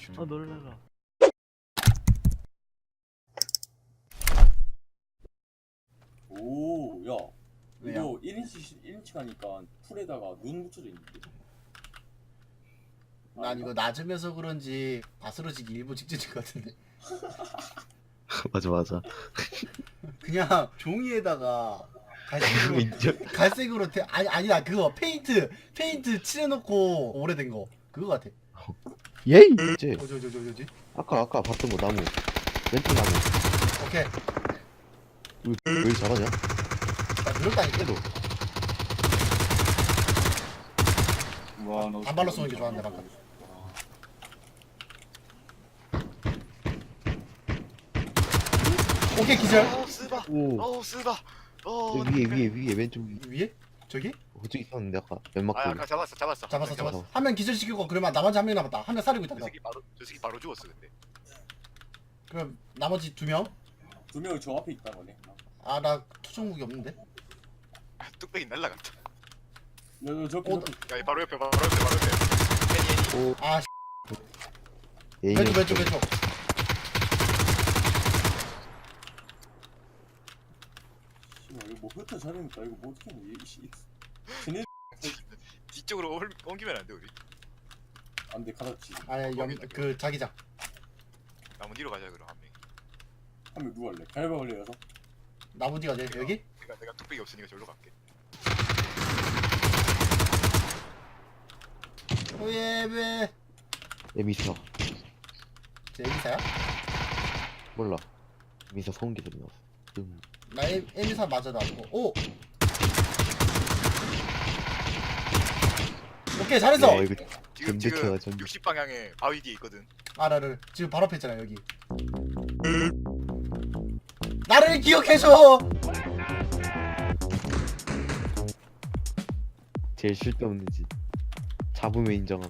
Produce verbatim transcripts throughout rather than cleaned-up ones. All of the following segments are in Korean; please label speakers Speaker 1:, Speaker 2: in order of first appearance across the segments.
Speaker 1: 아 놀래라.
Speaker 2: 오, 야,
Speaker 3: 왜요?
Speaker 2: 이거 일 인치 일 인치 가니까 풀에다가 눈 묻혀져 있는데.
Speaker 3: 난 이거 낮으면서 그런지 바스러지기 일부 직전인 것 같은데.
Speaker 4: 맞아 맞아.
Speaker 3: 그냥 종이에다가 갈색으로
Speaker 4: 인정.
Speaker 3: 갈색으로 태, 아니 아니다 그거 페인트 페인트 칠해놓고 오래된 거 그거 같아.
Speaker 4: 예이. 이제
Speaker 3: 어저 저 저 저지.
Speaker 4: 아까 아까 봤던 거 나무 왼쪽 나무.
Speaker 3: 오케이.
Speaker 4: 왜, 왜 이렇게 잘하냐?
Speaker 3: 나 그럴다니까.
Speaker 4: 그래도
Speaker 2: 와, 너
Speaker 3: 단발로 쏘는 게 좋았네 방금. 오케이 기절.
Speaker 5: 어 쓰바
Speaker 4: 오
Speaker 5: 어 쓰바 어
Speaker 4: 위에 위에 위에 왼쪽 위.
Speaker 3: 위에? 저기?
Speaker 4: 그쪽 있었는데 아까 연막
Speaker 5: 아
Speaker 4: 쪽에.
Speaker 5: 아까 잡았어 잡았어
Speaker 3: 잡았어
Speaker 5: 잡았어.
Speaker 3: 잡았어. 한 명 기절시키고 그러면 나머지 한 명 남았다. 한 명 사리고 있다.
Speaker 5: 저 새끼 바로 저 새끼 바로 죽었어 근데.
Speaker 3: 그럼 나머지 두 명?
Speaker 2: 두 명이 저 앞에 있다 거네.
Speaker 3: 아 나 투정 무기 없는데.
Speaker 5: 아, 뚝배기 날라갔다.
Speaker 2: 너, 너, 저,
Speaker 3: 어,
Speaker 5: 야 바로 옆에 바로 옆에 바로 옆에. 애니 애니.
Speaker 4: 오
Speaker 3: 아
Speaker 4: 예이.
Speaker 3: 왼쪽 왼쪽 왼쪽.
Speaker 2: 씨발, 이거 뭐 흩어 자르니까 이거 뭐 어떻게 해? 씨, 쟤네
Speaker 5: 뒤쪽으로 옮- 옮기면 안 돼 우리.
Speaker 2: 안돼 가졌지.
Speaker 3: 아니 염그 자기장.
Speaker 5: 나무 뒤로 가자 그럼 한 명.
Speaker 2: 하면 누구 할래? 갈바 걸려서.
Speaker 3: 나무 뒤가 어디 여기?
Speaker 5: 내가 내가 뚝배기 없으니까 저기로 갈게.
Speaker 3: 오예베.
Speaker 4: 에미사
Speaker 3: 제 에미사야?
Speaker 4: 몰라. 에미사 소음기 소리 나왔어. 음.
Speaker 3: 나 에, 에미사 맞아 나고. 오. 오케이 잘했어.
Speaker 4: 야, 이거
Speaker 5: 지금
Speaker 4: 전대체가
Speaker 5: 지금
Speaker 4: 전.
Speaker 5: 육십 방향에 바위 뒤에 있거든.
Speaker 3: 아라를 지금 바로 앞에 있잖아 여기. 나를 기억해줘.
Speaker 4: 제일 쓸데없는 짓. 잡으면 인정함.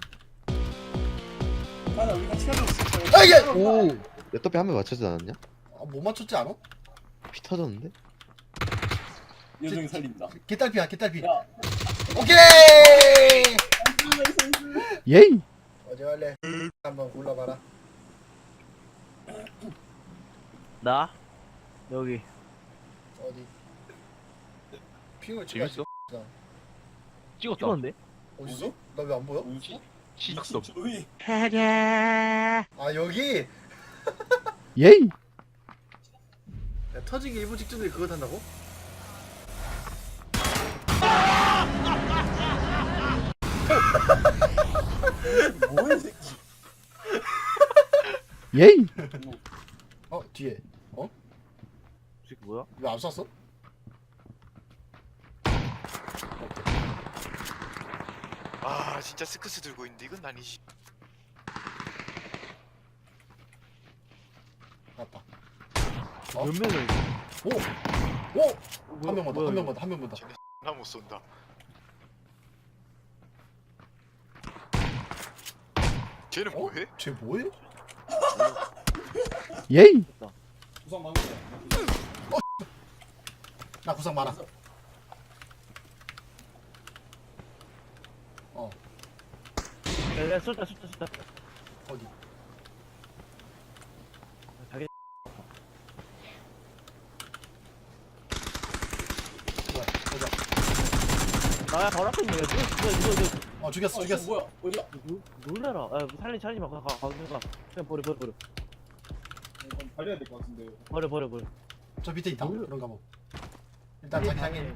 Speaker 2: 하나 우리 같이 가자.
Speaker 3: 아예.
Speaker 4: 오. 내 떡배 한 명 맞춰지 않았냐?
Speaker 3: 아, 못 맞췄지 않아?
Speaker 4: 피 터졌는데?
Speaker 2: 여정이 살린다.
Speaker 3: 개딸피야 개딸피.
Speaker 2: 야,
Speaker 3: 오케이.
Speaker 4: 예이.
Speaker 3: 어디 갈래? 한번 골라봐라.
Speaker 1: 나 여기.
Speaker 3: 어디? 핑을
Speaker 1: 재밌어?
Speaker 3: 찍어야지.
Speaker 1: 찍었다. 찍었는데?
Speaker 3: 어디서? 나 왜 안 보여?
Speaker 1: 시작점.
Speaker 2: 저기.
Speaker 3: 아 여기?
Speaker 4: 예이.
Speaker 3: 야, 터지기 일부 직전에 그거 탄다고?
Speaker 2: 뭐야 이 새끼.
Speaker 4: 예이.
Speaker 3: 어 뒤에. 어?
Speaker 1: 이 새끼 뭐야?
Speaker 3: 왜 안 쐈어?
Speaker 5: 아 진짜 스크스 들고 있는데 이건 아니지.
Speaker 3: 맞다. 어?
Speaker 1: 몇 명이야 이거?
Speaker 3: 오! 오! 한 명만 더, 한 명만 더, 한 명만 더.
Speaker 5: 나 못 쏜다. 쟤는
Speaker 3: 어?
Speaker 5: 뭐해?
Speaker 3: 쟤 뭐해?
Speaker 4: 예이.
Speaker 2: 구상 많은데.
Speaker 3: 나 구상 많아. 어,
Speaker 1: 야, 야 쏠다 쏠다 쏠다.
Speaker 3: 어디?
Speaker 1: 자기.
Speaker 3: 뭐야, 보자.
Speaker 1: 나야 바로 앞에 있는 거야. 이거 이거 이거.
Speaker 3: 어, 죽였어,
Speaker 2: 어,
Speaker 3: 죽였어.
Speaker 2: 뭐야? 어디야?
Speaker 1: 놀- 놀래라. 야 살리 살리지 마. 가, 가, 가, 그냥 가. 그냥 버려 버려 버려.
Speaker 2: 달려야 될 것 같은데.
Speaker 1: 버려 버려 버려.
Speaker 3: 저 밑에 있다.
Speaker 1: 놀-
Speaker 3: 그런가 뭐. 일단 자기장에.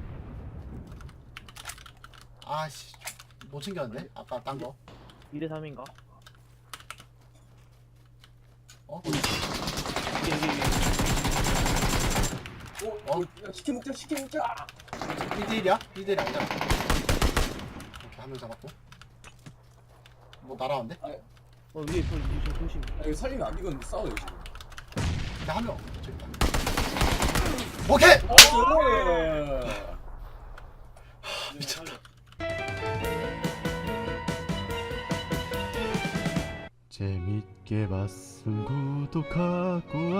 Speaker 3: 아씨, 못 챙겼는데? 아까 딴 거.
Speaker 1: 이 대 삼인가?
Speaker 3: 어?
Speaker 1: 이게 이게 이게.
Speaker 2: 어? 어? 야, 치킨 먹자, 치킨 먹자.
Speaker 3: 일 대 일이야? 일 대 일 아니잖아. 이렇게 한 명 잡았고. 뭐 날아왔는데?
Speaker 1: 어 위에 있어. 좀 조심.
Speaker 2: 아, 이거 살리면 안 되건 싸워요 지금.
Speaker 3: 근데 한 명. 저기 있다. 오케이!
Speaker 2: 나이스.
Speaker 3: 미쳤다. 재밌게 봤음 구독하고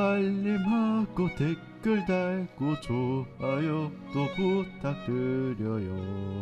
Speaker 3: 알림하고 댓글 달고 좋아요도 부탁드려요.